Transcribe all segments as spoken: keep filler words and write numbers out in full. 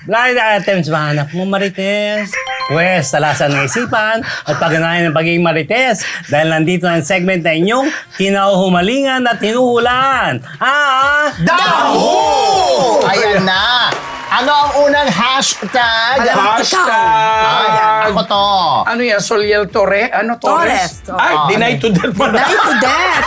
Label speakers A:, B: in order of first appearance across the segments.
A: Blind items ba hanap mo, Marites? Pwes, talasan ng isipan at pagganahan ng pagiging Marites dahil nandito ang segment na inyong kinahumalingan at hinuhulan. Ah!
B: Daho! Ayan na! Ano ang unang hashtag?
C: Hashtag!
B: Ay, ako to.
C: Ano yan? Soliel Torre? Ano? Torres?
D: Torres.
C: Ay,
B: Oo.
C: deny to death pala.
D: Dahil to death.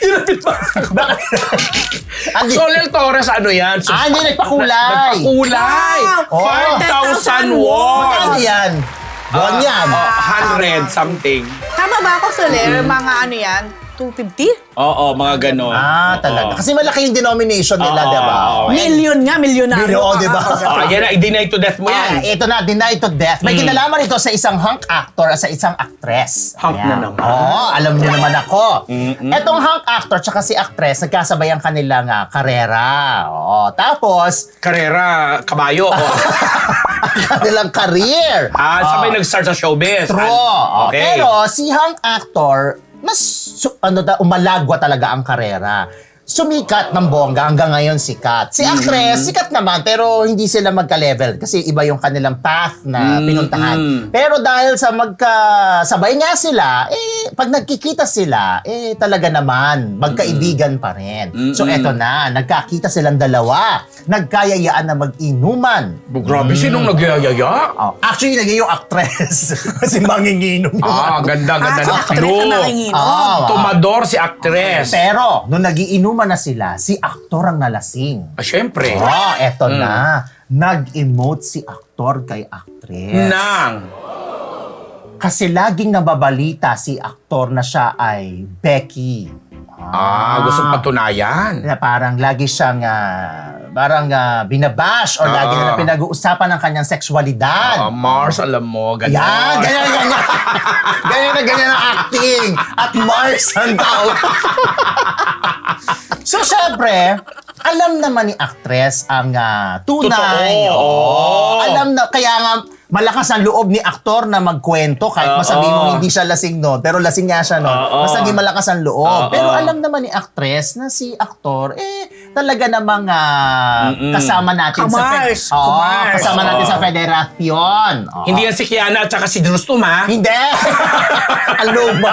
B: Andi,
C: Soliel Torres, ano yan? So,
B: ah, hindi nagpakulay.
C: Nagpakulay!
D: Wow!
C: five thousand
B: Magkano
C: won!
B: yan? Buwan yan.
C: Oh, one hundred something.
D: Tama ba ako, Soler? Mga ano yan? two fifty?
C: Oo, mga ganon.
B: Ah, talaga.
C: Oo.
B: Kasi malaki yung denomination nila,
C: Oo,
B: di ba?
C: oo.
D: Million nga, milyonaryo.
B: Million,
D: ka
B: di ba?
D: ako.
C: Oh, yan na, i-deny to death mo
B: Ah,
C: yan.
B: ito na, denied to death. May
C: Mm.
B: kinalaman ito sa isang hunk actor at sa isang actress.
C: Hunk
B: Ayan.
C: na naman.
B: Oo, alam niyo naman ako.
C: Mm-mm.
B: Etong hunk actor tsaka si actress, nagkasabay ang kanilang ah, karera. Oo, tapos,
C: Karera, kabayo. Oh.
B: kanilang career.
C: Ah, sabay
B: Oo.
C: nag-start sa showbiz.
B: True.
C: Ah, Okay.
B: Pero si hunk actor, mas su- ano da, umalagwa talaga ang karera. Sumikat ng bongga hanggang ngayon sikat. Si actress, sikat naman pero hindi sila magka-level kasi iba yung kanilang path na
C: Mm,
B: pinuntahan.
C: mm.
B: Pero dahil sa magkasabay nga sila, eh pag nagkikita sila, eh talaga naman magkaibigan pa rin. So
C: Mm-mm.
B: eto na, nagkakita silang dalawa. Nagkayayaan na mag-inuman.
C: Bu- Grabe, sinong nagyayaya?
B: Oh, actually, naging yung actress. Kasi manginginom yung
C: Ah, ganda, ganda
D: Ah, si
C: ng
D: actress
C: clue.
D: na nakinginom.
B: Ah,
C: Tumador si actress.
B: Pero, nung nagiinuman na sila, si aktor ang nalasing.
C: Ah, syempre.
B: Oh, eto
C: Mm.
B: na. Nag-emote si aktor kay actress.
C: Nang.
B: Kasi laging nababalita si aktor na siya ay Becky.
C: Ah, gustong patunayan.
B: Na parang lagi siyang ah, parang ah, binabash or lagi
C: Ah.
B: na pinag-uusapan ng kanyang sexualidad.
C: Ah, Mars, alam mo, ganyan.
B: Yan, ganyan, ganyan. ganyan na ganyan ang acting. At Mars ang tawag. So, syempre, alam naman ni actress ang ah, tunay.
C: Totoo.
B: Oo. Alam na, kaya nga, malakas ang loob ni aktor na magkwento kahit
C: Oo.
B: masabi mo hindi siya lasing noon, pero lasing nga siya noon.
C: Oo.
B: Mas naging malakas ang loob.
C: Oo.
B: Pero alam naman ni actress na si aktor, eh, talaga namang ah,
C: Mm-mm.
B: kasama natin sa...
D: Kamars,
B: Oo,
D: kamars.
B: kasama natin
C: Oo.
B: sa federasyon. Oo.
C: Hindi yan si Kiana at saka si Drustum, ha?
B: Hindi! Ang luma.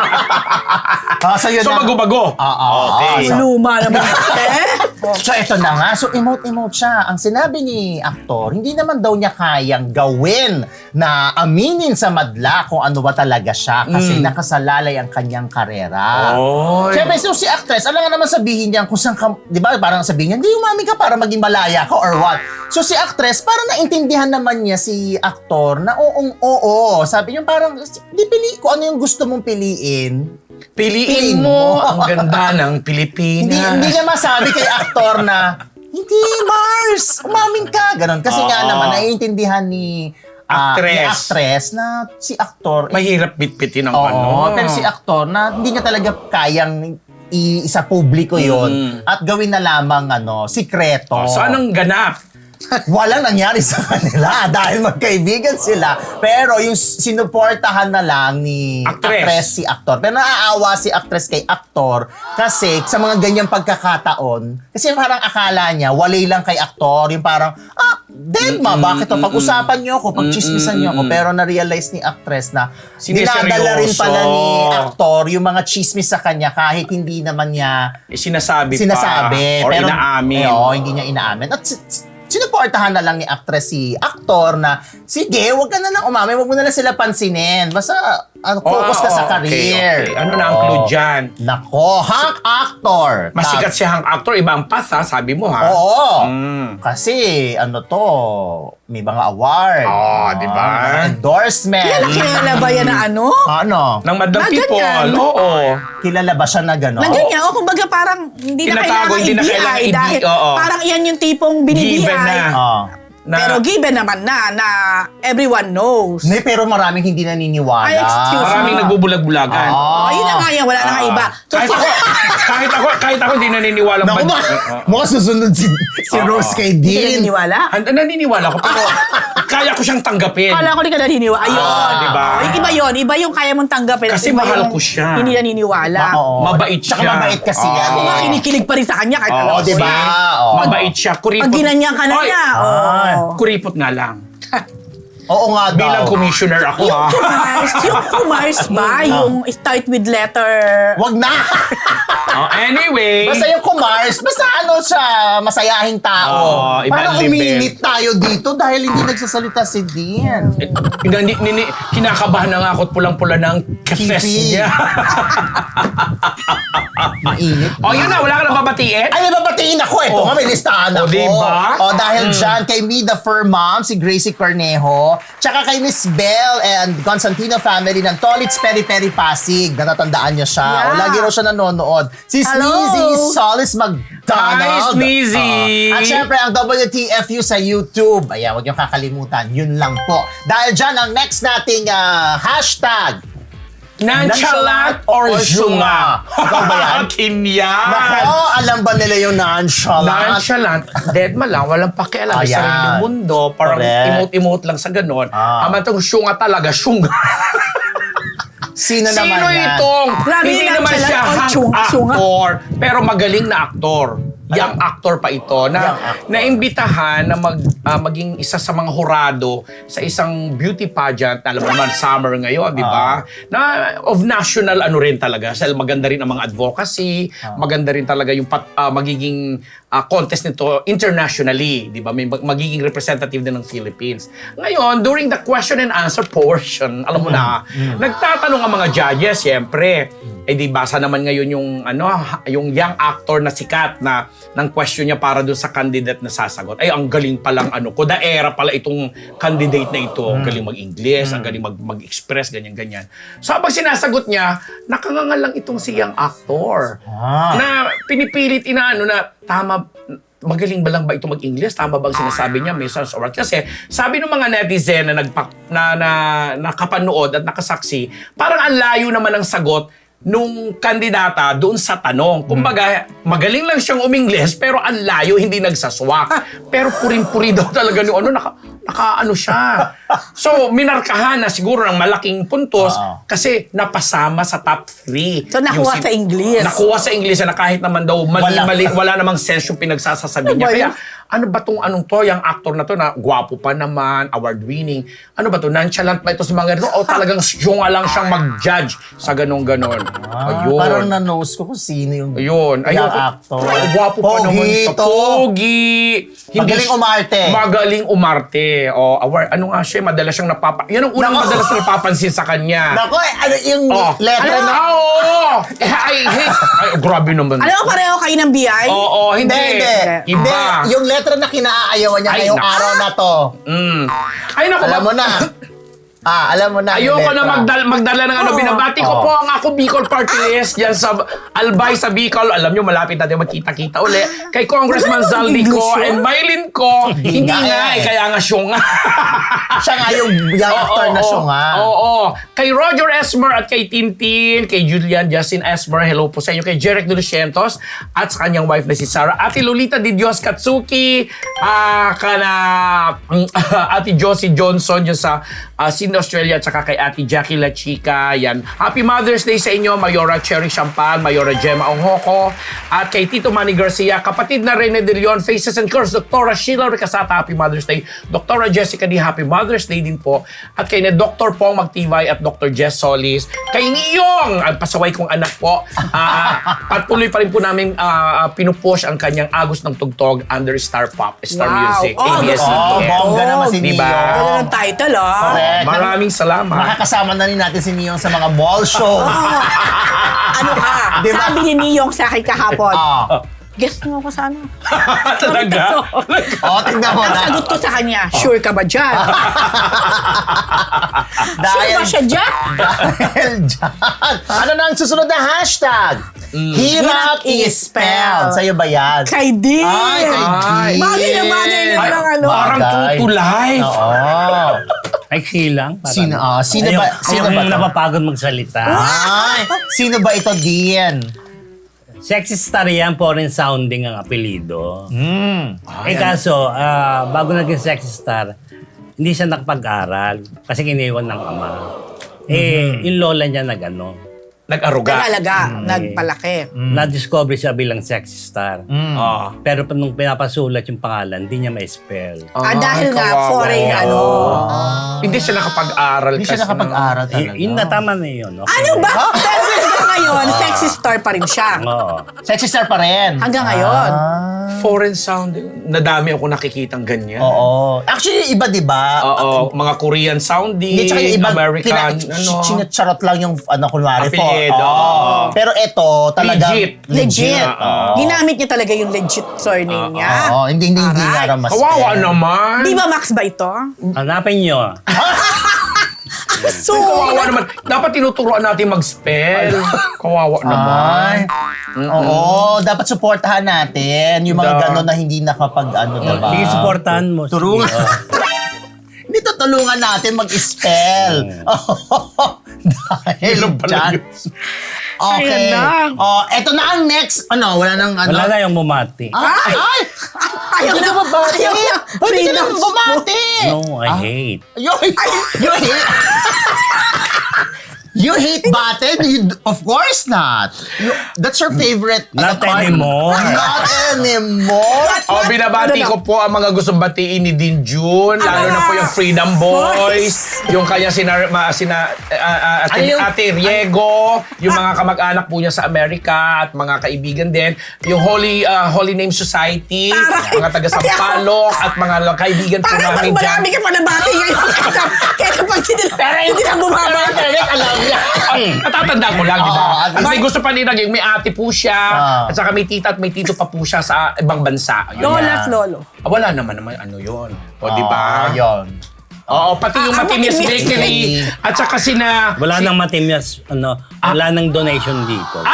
B: oh, so, yun
C: So,
B: na-
C: bago-bago.
B: Oo.
C: Okay.
B: So,
D: Luma naman. Eh?
B: so, ito na nga. So, emote-emote siya. Ang sinabi ni aktor, hindi naman daw niya kayang gawin na aminin sa madla kung ano ba talaga siya kasi
C: Mm.
B: nakasalalay ang kanyang karera.
C: Oy.
B: Siyempre, so si actress, alam nga naman sabihin niya kung saan ka, di ba, parang sabihin niya, hindi umamin ka para maging malaya ka or what. So si actress, parang naintindihan naman niya si aktor na oong oo. Sabi niya parang, di pili ko ano yung gusto mong piliin.
C: Piliin mo ang ganda ng Pilipinas.
B: Hindi, hindi niya masabi kay aktor na, hindi, Mars, umamin ka. Ganon. Kasi nga
C: Oo.
B: naman, naiintindihan ni, ah,
C: Actress.
B: ni actress na si aktor, eh,
C: Mahirap bitbitin ang
B: oo,
C: ano.
B: pero si aktor na hindi niya talaga kayang i- isa publiko yon
C: Mm.
B: at gawin na lamang ano, sikreto.
C: Oh, so, anong ganap?
B: Walang nangyari sa kanila dahil magkaibigan sila. Pero yung sinuportahan na lang ni
C: Actress.
B: actress si aktor. Pero naaawa si actress kay aktor kasi sa mga ganyang pagkakataon, kasi parang akala niya, walay lang kay aktor. Yung parang, ah, dead ma, bakit to? Pag-usapan niyo ako, pag-chismisan niyo ako. Pero na-realize ni actress na
C: Sineseryoso.
B: dinadala rin pala ni aktor yung mga chismis sa kanya kahit hindi naman niya
C: Eh, sinasabi,
B: sinasabi.
C: pa. Or
B: pero,
C: inaamin.
B: Eh, oo, hindi niya inaamin. At si- si- sinuportahan na lang ni actress si aktor na, sige, wag ka na lang umamin, wag mo na lang sila pansinin. Basta, ano, focus ka
C: Oh,
B: sa
C: okay,
B: career.
C: okay. Ano na ang
B: Oo.
C: clue dyan?
B: Nako, hunk actor.
C: Masikat si hang actor, iba ang pass, ha? Sabi mo, ha?
B: Oo.
C: Mm.
B: Kasi, ano to, may mga award.
C: Oo, di ba?
B: May mga endorsement.
D: Kilala, kilala ba yan na ano?
B: Ano?
C: Ng Madam
D: Na
C: People.
D: ganyan.
C: Oo.
B: Kilala ba siya na gano'n?
D: Na ganyan, o kumbaga parang hindi na
C: Tinatago,
D: kailangan
C: hindi na
D: i-D I
C: kailangan i-D I,
D: dahil
C: oo.
D: parang iyan yung tipong bini-D I.
C: Given na.
B: Oo.
C: Na,
D: Pero given naman na, na everyone knows.
B: Hindi, pero maraming hindi naniniwala.
D: Ay, excuse
C: maraming
D: Ah.
C: nagbubulag-bulagan.
B: Ah.
D: Ayun na nga yan, wala na nga iba. So,
C: kahit ako, kahit ako, kahit ako hindi naniniwala.
B: Naku,
C: ba-
B: ma-
C: Oo.
B: mukhang susunod si, si
C: Oo.
B: Rose kay
D: hindi ka
B: Dean.
D: naniniwala?
C: Han- naniniwala ko, pero kaya ko siyang tanggapin.
D: Kala ko di ka naniniwala. Ayun.
C: Ah, diba?
D: Oh, iba yun. Iba yung kaya mong tanggapin. at
C: Kasi
D: iba
C: mahal
D: yung
C: ko siya.
D: Hindi naniniwala.
B: Oo.
C: Mabait
B: Tsaka
C: siya.
B: mabait kasi
C: Oo.
B: yan.
D: Ako nga
B: eh.
D: kinikilig pa rin sa kanya kahit
C: Oo,
D: alam ko
B: diba?
D: eh.
B: Oo.
C: Mabait siya. Kuripot.
D: Pag ginanyan ka na
C: Oy!
D: niya. Oh.
B: Ay.
D: Oo.
C: Kuripot nga lang.
B: Oo nga daw.
C: Bilang commissioner ako,
D: Yung
C: ha?
D: Kumars, yung Kumars ba? Yung start with letter...
B: Wag na!
C: Oh, anyway.
B: Basta yung Kumars, basta ano siya, masayahing tao.
C: Oo, ibang
B: Parang
C: level.
B: uminit tayo dito dahil hindi nagsasalita si Dean.
C: Eh, nini, nini, kinakabahan na nga ako at pulang-pula ng kefes
B: Kipi.
C: niya.
B: Mainit.
C: O, yun na. Wala ka na babatiin?
B: Ay, nababatiin ako. Ito
C: Oh.
B: nga, may listahan
C: Oh,
B: ako.
C: diba?
B: O, dahil dyan, kay Me the Fur Mom, si Gracie Cornejo, tsaka kay Miss Belle and Constantino family ng Tolits Peri Peri Pasig. Natatandaan niyo siya.
D: Yeah.
B: O, lagi raw siya nanonood. Si
D: Hello.
B: Sneezy Solis McDonald.
C: Hi, Sneezy.
B: Oo. At syempre, ang W T F U sa YouTube. Ayan, huwag niyong kakalimutan. Yun lang po. Dahil dyan, ang next nating ah, hashtag,
C: Nonchalant or syunga?
B: Ikaw ba yan?
C: Kinyan.
B: Nako, alam ba nila yung nonchalant?
C: Nonchalant, dead ma lang, walang pakialam sa
B: Ayan.
C: sariling mundo, parang
B: Correct.
C: imot-imot lang sa ganon.
B: Ah.
C: Ama tong syunga talaga, syunga.
B: Sino,
C: Sino
B: naman yan?
C: itong?
D: Grabe
C: Hindi
D: yung
C: naman
D: nonchalant
C: siya
D: or
C: hang
D: syunga, syunga.
C: actor, pero magaling na aktor. Young actor pa ito na
B: Young actor.
C: naimbitahan na mag, ah, maging isa sa mga hurado sa isang beauty pageant, alam mo naman, summer ngayon, di ba? Na of national ano rin talaga. Dahil maganda rin ang mga advocacy, maganda rin talaga yung pat, ah, magiging ah, contest nito internationally, di ba? May mag- magiging representative din ng Philippines. Ngayon, during the question and answer portion, alam mo na, nagtatanong ang mga judges, siyempre, eh di basa naman ngayon yung ano ha- yung young actor na sikat na ng question niya para doon sa candidate na sasagot. Ay, ang galing palang ano ko, daera pala itong candidate na ito. Ang galing mag-English, ang galing mag- mag-express, ganyan-ganyan. So, habang sinasagot niya, nakangangal lang itong si young actor.
B: Ah.
C: Na pinipilit inaano na tama, magaling ba lang ba ito mag-English? Tama ba ang sinasabi niya? May sense of right. Kasi sabi ng mga netizen na, nagpa, na, na nakapanood at nakasaksi, parang ang layo naman ang sagot nung kandidata doon sa tanong. Kumbaga, magaling lang siyang umingles pero ang layo, hindi nagsaswak. Pero purin-puri daw talaga yung ano, naka, naka ano siya. So, minarkahan na siguro ng malaking puntos
B: Oo.
C: kasi napasama sa top three.
D: So, nakuha sa English.
C: Nakuha sa English na kahit naman daw mali-mali, wala. wala namang sense yung pinagsasasabi
D: Ano
C: niya.
D: ba
C: Kaya,
D: yun?
C: ano ba tong anong to, yung actor na to na gwapo pa naman, award-winning, ano ba to, nonchalant ba ito sa mga ganito? O talagang syunga lang siyang mag-judge sa ganong-ganon.
B: Ah,
C: Ayun.
B: parang na-nose ko kung sino yung
C: Ayun.
B: young
C: Ayun.
B: actor.
C: Gwapo pa naman
B: Pogi
C: sa
B: to.
C: pogi.
B: Magaling umarte.
C: Magaling umarte. O, award. Ano nga siya, madalas siyang napapa... Yan ang unang
B: Nako.
C: madalas na napapansin sa kanya.
B: Nako, eh, ano yung
C: Oh.
B: letter
C: Ano?
B: na...
C: Ah, oo! Eh, ay, hate. Ay, grabe naman.
D: Alam mo, pareho kayo ng B I?
C: Oo, hindi.
B: Hindi, hindi. Hindi,
C: Iba.
B: yung letter na kinaayawan niya
C: Ay,
B: ngayong
C: naku.
B: araw na to.
C: Mm. Ay, naku.
B: Alam mo na. Ah, alam mo na. yung
C: Ayoko na
B: letra.
C: magdala, magdala ng ano.
D: Oo.
C: Binabati ko
B: Oo.
C: po ang ako Bicol Party List dyan sa Albay sa Bicol. Alam nyo, malapit natin magkita-kita uli. Kay Congressman
D: Wala namang
C: Zaldi ko
D: English yun.
C: and Mylene ko. Hindi
B: nga
C: nga
B: eh.
C: eh, kaya nga siya nga.
B: Siya nga yung young actor na siya nga.
C: Oo, oo. Kay Roger Esmer at kay Tintin, kay Julian Justin Esmer, hello po sa inyo. Kay Jeric De Lucientos at sa kanyang wife na si Sarah. Ate Lolita Di Dios Katsuki, ah kana Ate Josie Johnson dyan sa uh, Sydney, Australia, at saka kay Ate Jackie La Chica. Yan. Happy Mother's Day sa inyo, Mayora Cherry Champagne, Mayora Gemma Onghoko, at kay Tito Manny Garcia, kapatid na Rene De Leon, Faces and Curves, Doktora Sheila Ricasata, Happy Mother's Day. Doktora Jessica D, Happy Mother's Day din po. At kay na Doctor Pong Magtibay at Doctor Jess Solis. Kay Niyong, ang pasaway kong anak po, uh, patuloy pa rin po namin uh, pinupush ang kanyang Agos ng Tugtog under Star Pop, Star
D: Wow.
C: Music,
D: Oh,
C: A B S C
B: Oh,
C: T V.
B: bongga naman si
C: Diba?
B: Neo.
D: Ano ng title, ah?
B: Correct.
C: Maraming salamat.
B: Makakasama na rin natin si Neo sa mga mall show.
D: Ano ka?
B: Diba?
D: Sabi ni Niyong sa akin kahapon.
B: Ah.
D: Guess mo ako sa ano?
C: Talaga?
B: Oh, tingnan mo
D: Ang
B: na.
D: sagot ko sa kanya, sure ka ba dyan? Sure
B: Dahil,
D: ba siya dyan?
B: dahil dyan. Ano na ang susunod na hashtag? Hirap
D: Hirap
B: i-spell.
D: i-spell.
B: Sa'yo ba yan?
D: Kay Dean.
B: Ay, kay
C: Ay.
B: Dean.
D: Bagay na bagay na
C: Ay,
D: lang ano.
C: parang
B: Bagay.
C: true to life.
B: Oo.
A: Ay, silang. Parang,
B: Sino- ah, sino
A: ayaw,
B: ba- sino
A: ayaw
B: ba to?
A: napapagod magsalita.
B: Ay, sino ba ito, Dean?
A: Sexy star yan, foreign sounding ang apelido.
B: Hmm.
A: eh kaso, ah, bago naging sexy star, hindi siya nakapag-aral kasi kiniwan ng ama. Eh, yung lola niya na gano'n.
C: Nag-aruga.
D: Nag-alaga, nagpalaki.
A: Na-discover siya bilang sexy star.
C: Ah.
A: Pero pa- nung pinapasulat yung pangalan, hindi niya ma-spell.
D: Ah, dahil nga,
C: kawawa.
D: foreign ano.
C: Hindi siya nakapag-aral.
B: Hindi siya
C: kasi
B: nakapag-aral
A: Y-
B: talaga.
A: yun na, tama na yun. Okay.
D: Ano ba? Pero hanggang ngayon, sexy star pa rin siya.
A: Oo.
B: Sexy star pa rin.
D: Hanggang ngayon.
B: Ah.
C: Foreign sounding. Nadami ako nakikitang ganyan.
B: Oo. Actually, iba, di ba?
C: Oo, mga Korean sounding,
B: Hindi, tsaka yung iba,
C: American,
B: pina-
C: ano.
B: sinacharot lang yung, ano, kunwari, for.
C: Apelyido.
B: Oo. Pero ito, talaga.
C: Legit.
D: Legit.
C: Oo.
D: Ginamit niya talaga yung legit surname niya.
B: Oo, hindi, hindi, hindi
D: Aray.
B: nga mas.
C: Kawawa naman.
D: Di ba Max ba ito?
A: Hanapin nyo.
D: So,
C: Kawawa naman. Dapat tinuturuan natin mag-spell. Kawawa naman.
B: Ay. Oo, dapat suportahan natin yung mga
C: Da.
B: gano'n na hindi nakapag, ano, diba?
A: Sige, supportahan mo. Sige.
B: Turungan.
A: Oo.
B: Hindi tutulungan natin mag-spell. Dahil
C: Ano pala
B: dyan.
C: yun?
B: Okay.
D: Ayan na.
B: Oh, eto na ang next. Ano, wala nang ano.
A: Wala na yung bumati.
B: Ay! Ay!
D: ayaw
B: Hindi
D: na
B: ka mabati.
D: ayaw na.
B: Pwede ka
D: Freedom
B: na bumati.
A: No, I hate.
B: You hate. You hate. You hate button? You, of course not. You, that's your favorite.
A: Not
B: ano, part-
A: anymore.
B: Not anymore.
C: O, binabati
D: Ano
C: ko po ang mga gustong batiin ni Din Jun, lalo na po yung Freedom Boys, yung kanya sina, ma, sina ah, ah, ate,
B: Ano yung-
C: ate Riego, yung mga kamag-anak po niya sa Amerika at mga kaibigan din, yung Holy ah, Holy Name Society,
D: Taray.
C: mga taga Sampaloc at mga kaibigan po
D: Parang pag
C: namin dyan.
D: marami ka pa nabati ngayon. Kaya kapag hindi na, hindi na bumabati.
B: Alam niya.
C: Ay, natatanda ko lang, di
B: Oo,
C: ba?
B: at
C: Kasi
B: least-
C: gusto pa nila, yung may ate po siya,
B: Ah.
C: at saka may tita at may tito pa po siya sa ibang bansa. Yun.
D: Lola at lolo.
C: Ah, wala naman naman ano yun. O, di ba?
B: Ah, yun.
C: Oo, pati yung
D: Ah,
C: Matimis
D: Matimis
C: Bakery. At saka sina...
A: Wala
C: si-
A: nang matimyas, ano, wala nang donation dito.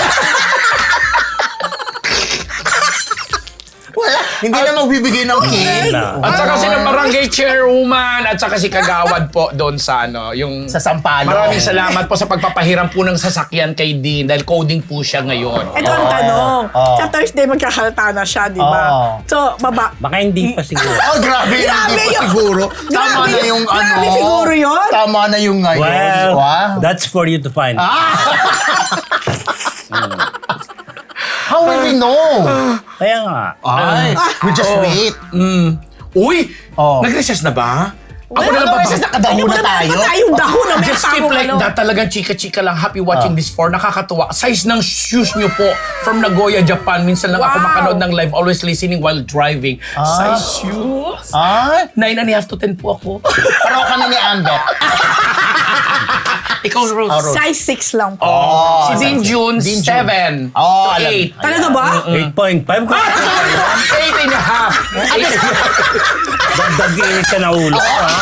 B: Wala. Hindi na magbibigay ng cake.
A: Na.
C: At saka sina Barangay Chairwoman at saka si Kagawad po doon sa ano, yung...
B: Sa Sampaloc.
C: Maraming salamat po sa pagpapahiram po ng sasakyan kay Dean dahil coding po siya ngayon.
D: Ito ang tanong.
B: Oo.
D: Sa Thursday, magkakalta na siya, di ba?
B: Oo.
D: So, baba.
A: Baka hindi pa siguro.
B: Oh, grabe.
D: Grabe
B: Hindi pa
D: yun.
B: siguro. Tama
D: Grabe
B: na
D: yun.
B: yung ano.
D: Grabe siguro yun.
B: Tama na yung ngayon.
A: Well,
B: Wow.
A: that's for you to find.
B: How will we know?
A: Kaya nga.
B: Ay, we just
C: Oh.
B: wait.
C: Mm. Uy!
B: Oh.
C: Nag-recess na ba? Ako
B: Ano
C: na
B: ba?
C: ba?
B: Sa nakadahon na tayo?
D: Tayong dahon na may
C: Just keep
D: tamong
C: like
D: ano.
C: that. Talagang chika-chika lang. Happy watching
B: Ah.
C: this for. Nakakatuwa. Size ng shoes nyo po from Nagoya, Japan. Minsan lang ako
D: Wow.
C: makanood ng live. Always listening while driving. Size shoes.
B: Ay,
C: Nine and a half to ten po ako.
B: parang kami ni Ambet.
C: Ikaw, Rose.
B: Ah, Rose.
D: Size six lang po.
C: Oh, si
B: size
C: Din Jun,
B: Din Jun.
C: seven
B: Oh,
C: to
B: alam.
C: eight.
D: Talaga ba?
A: eight point five ko.
C: Eight and a half. Eight and a half.
A: Dagdag-init ka na ulo ko, ha?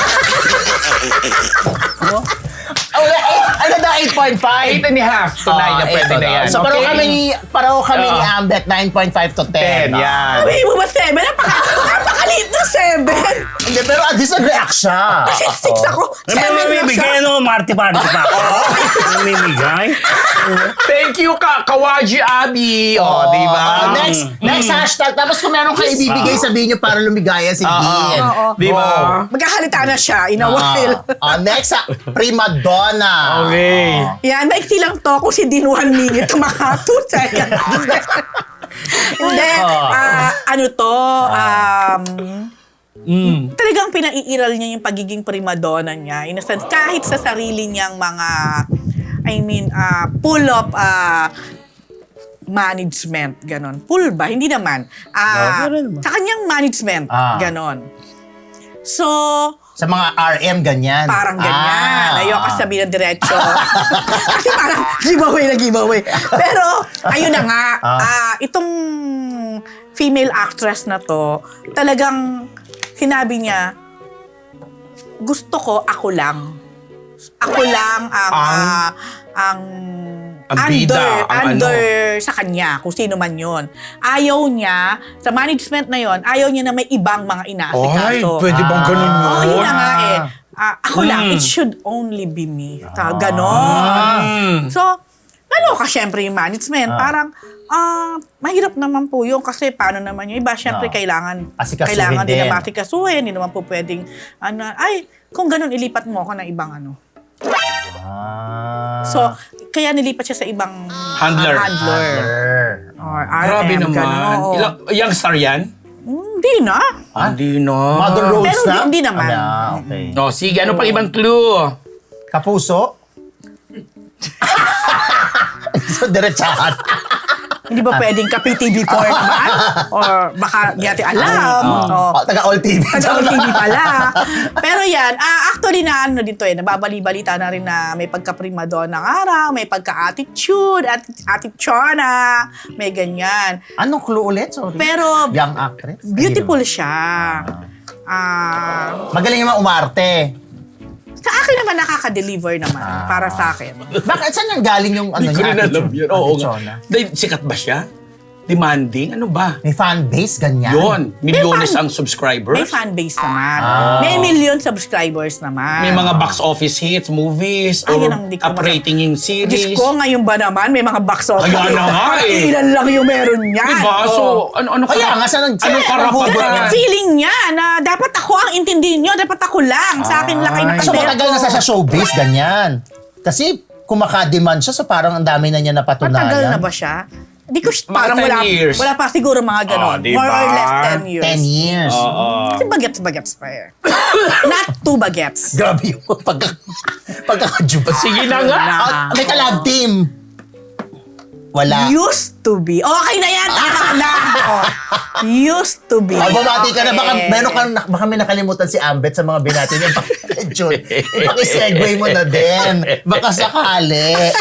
B: Oh, eh, ano na, eight point five?
C: Eight and a half to nine.
B: Ah,
C: Pwede
B: ito
C: na yan.
B: So, pareho
C: Okay?
B: kami ni, pareho kami ni
C: Oo.
B: Ambet, nine point five to
C: Ten,
B: ten.
C: yan.
D: Sabi mo ba seven? Napaka, napakaliit na seven.
B: Hindi, pero at least nag-react siya.
D: Kasi six ako.
A: May
D: Seven lang
A: mamimigay,
D: siya.
A: ano, Marty-party pa ako. Mamimigay.
C: Thank you, ka Kawaji Abi. O, di ba?
B: Ah, next, next hashtag. Tapos kung meron kayo ibibigay, sabihin nyo para lumigaya si Dean.
D: Oo.
C: Di ba?
D: Magkakalita na siya in a
B: Ah,
D: while.
B: ah, next, ah, Prima Donna.
C: Okay.
D: Yan, maiksi lang to kung si Din one minute, maka two seconds. Hindi, ah, ano to, um,
C: Mm.
D: talagang pinaiiral niya yung pagiging primadonna niya. In a sense, kahit sa sarili niyang mga, I mean, uh, pull up uh, management, ganon. Pull ba? Hindi naman. Ah,
A: No, meron naman.
D: sa kanyang management,
B: Ah.
D: ganon. So,
B: Sa mga R M, ganyan.
D: parang ganyan.
B: Ah.
D: Ayoko sabihin ng diretso. Kasi parang giveaway na giveaway. Pero, ayun na nga.
B: Ah.
D: ah, itong female actress na to, talagang sinabi niya, gusto ko ako lang. Ako lang ang
C: Ang-
D: ah, ang,
C: Ang
D: under,
C: bida, ang
D: under sa kanya, kung sino man yon. Ayaw niya, sa management na yon, ayaw niya na may ibang mga
C: Ay,
D: inaasikaso.
C: pwede bang ganun yun?
D: Oo, yun na nga eh.
B: Ah.
D: Ah, ako lang,
C: Mm.
D: it should only be me. Ta- Ganon.
C: Mm.
D: So, naloka syempre yung management.
B: Ah.
D: Parang, ah, mahirap naman po yun kasi paano naman yung iba, syempre
B: Ah.
D: kailangan,
B: Asikasuhin
D: kailangan din
B: din.
D: na matikasuhin, hindi naman po pwedeng, ano, ay, kung ganon, ilipat mo ako ng ibang ano.
B: Ah.
D: So, kaya nilipat siya sa ibang
C: Handler.
D: ah, handler.
B: Handler.
D: Or R M.
C: Grabe naman.
D: ganun, oo.
C: Ilang, young star yan?
D: Hindi na.
C: Ah, Hindi na.
B: Mother Rose
D: Pero
B: na?
D: hindi naman.
B: Ah, okay.
C: Oh, sige, ano pang ibang clue?
B: Kapuso? So, diretsahan.
D: Hindi ba pwedeng ka P T V four naman? Or baka di natin alam.
B: Oh,
D: Oh.
B: taga All T V.
D: Taga T V pala. Pero yan, ah, actually na ano dito eh, nababali-balita na rin na may pagka-primadonna ng araw, may pagka-attitude, at attitude may ganyan.
B: Anong clue ulit? Sorry.
D: Pero
B: Young actress?
D: beautiful siya. Ah,
B: Magaling naman umarte.
D: sa akin naman nakaka-deliver naman para sa akin.
B: Bakit? Saan yung galing yung ano
C: Hindi ko
B: niya?
C: rin alam
B: attitude?
C: yun. Oo nga.
B: Attitude na?
C: Dahil sikat ba siya? Demanding? Ano ba?
B: May fan base, ganyan.
C: Yun. Milyones
D: fan-
C: ang subscribers.
D: May fan base naman.
B: Ah.
D: May million subscribers naman.
C: May mga box office hits, movies,
D: Ay,
C: or
D: yun ang hindi ko
C: up-rating yung
D: Diyos
C: series.
D: ko, ngayon ba naman may mga box office?
C: Kaya na nga eh.
D: Ilan lang yung meron niyan.
C: Diba?
D: Oo.
C: So, ano, ano
B: Kaya
C: ka-
B: nga, saan nag-
C: Anong
B: saan
C: karapatan?
B: nabubuhat
D: Ganun yung feeling niya na dapat ako ang intindihin niyo, dapat ako lang. Sa akin lang kayo
C: Ay.
B: So,
D: nakadero.
B: matagal na siya sa showbiz, ganyan. Kasi, kumakademand siya, so parang ang dami na niya napatunayan.
D: Matagal na ba siya? Hindi ko
C: Mga
D: parang
C: ten
D: wala,
C: years.
D: wala pa siguro mga ganon.
C: Oh, diba?
D: More or less ten years.
B: Ten years.
C: Oo.
D: Kasi bagets-bagets pa eh. Not two bagets.
B: Grabe yung pagka, pagkakajuba.
C: Sige na nga.
B: Ah, may kalab team. Wala.
D: Used to be. Okay na yan. Tama na. Oh. Used to be.
B: Oh, bumati ka na. Baka,
D: Okay.
B: meron ka, baka may nakalimutan si Ambet sa mga binati niya. Jun, paki-segue mo na din. Baka sakali.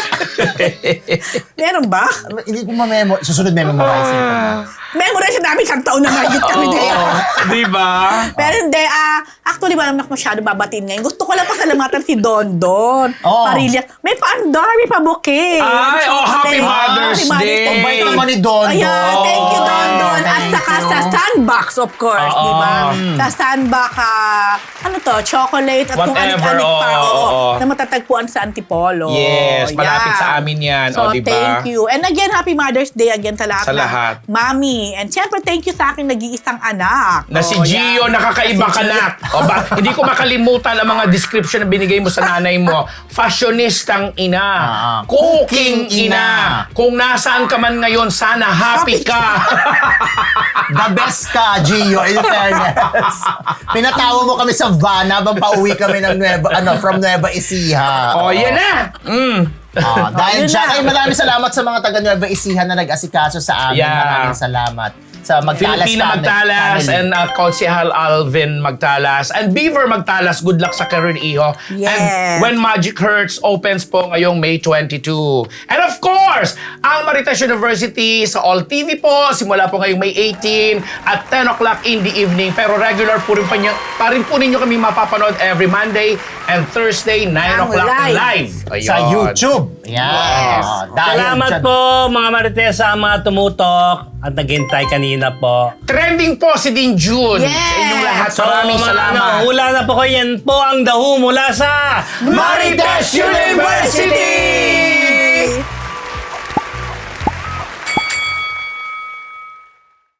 D: Meron ba?
B: Hindi ko ma-memo. Susunod memorize ko.
D: Memorize na namin isang taon na mahigit kami na yan.
C: Di ba?
D: Pero hindi, ah, actually, wala naman ako masyado babatiin ngayon. Gusto ko lang pasalamatan si Don Don.
B: Oh.
D: Parillas. May paandar, may pabuke.
C: Ay, oh, Happy Mother's Day.
B: Ang bait naman ni Don Don.
D: Ayan, thank you, Don Don. At
B: Thank
D: saka
B: you.
D: sa Sandbox, of course,
C: Oo.
D: di ba? Sa Sandbox, ah, ano to, chocolate at kung
C: Whatever,
D: anik-anik pa.
C: oo,
D: Oo,
C: oo.
D: na matatagpuan sa Antipolo.
C: Yes, malapit
D: Yan.
C: sa amin yan.
D: So,
C: O, di ba?
D: thank you. And again, Happy Mother's Day again sa lahat.
C: Sa
D: ng
C: lahat.
D: Mami. And syempre, thank you sa aking nag-iisang anak.
C: Na si
D: Oh,
C: Gio,
D: yan.
C: nakakaiba
D: Si
C: ka
D: Gio.
C: na. O ba, hindi ko makalimutan ang mga description na binigay mo sa nanay mo. Fashionistang ina.
B: Ah,
C: Cooking
B: cooking
C: ina.
B: ina.
C: Kung nasaan ka man ngayon, sana happy ka.
B: The best ka, Gio, in fairness. Pinatawa mo kami sa van habang pauwi kami ng Nueva, ano, from Nueva Ecija.
C: O, yan na. Mm.
B: Ah, dahil
D: yun
B: dyan,
D: na.
B: ay maraming salamat sa mga taga Nueva Ecija na nag-asikaso sa amin.
C: Yeah.
B: Maraming salamat. Sa Magtalas
C: Filipina
B: family-
C: Magtalas
B: family.
C: and uh, Konsehal Alvin Magtalas and Beaver Magtalas. Good luck sa career ni Iho.
D: Yes.
C: And When Magic Hurts opens po ngayong May twenty-two. And of course, ang Marites University sa All T V po, simula po ngayong May eighteen at ten o'clock in the evening. Pero regular po rin, pa, niyo, pa rin po ninyo kami mapapanood every Monday and Thursday, nine
D: Ang
C: o'clock
D: live.
C: live.
B: Sa
C: Ayun.
B: YouTube. Yan.
D: Yes.
B: Ah, dahil
A: Salamat
B: dyan-
A: po mga Marites sa mga tumutok at naghintay kanina po.
C: Trending po si Din June.
D: Yes.
C: Sa inyong lahat.
A: So,
C: Maraming
A: mga
C: salamat.
A: nahula na po ko, yan po ang dahu mula sa
C: Marites University!